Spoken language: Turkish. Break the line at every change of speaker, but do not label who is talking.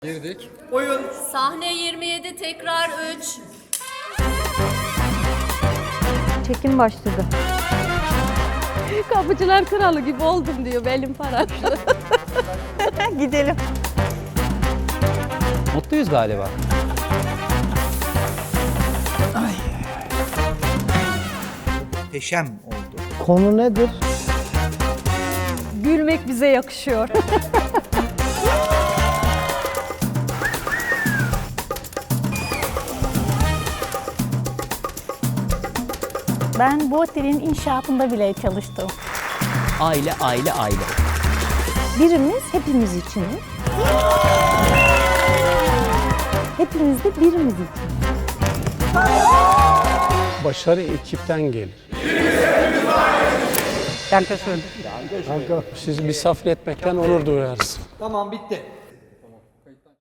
Girdik.
Oyun.
Sahne 27 tekrar 3.
Çekim başladı.
Kapıcılar kralı gibi oldum diyor belim paraşlı.
Gidelim.
Mutluyuz galiba.
Muhteşem oldu.
Konu nedir?
Gülmek bize yakışıyor.
Ben bu otelin inşaatında bile çalıştım.
Aile, aile, aile.
Birimiz hepimiz için. Hepimiz de birimiz için.
Başarı ekipten gelir. Kanka, sizi misafir etmekten onur duyarız.
Tamam bitti.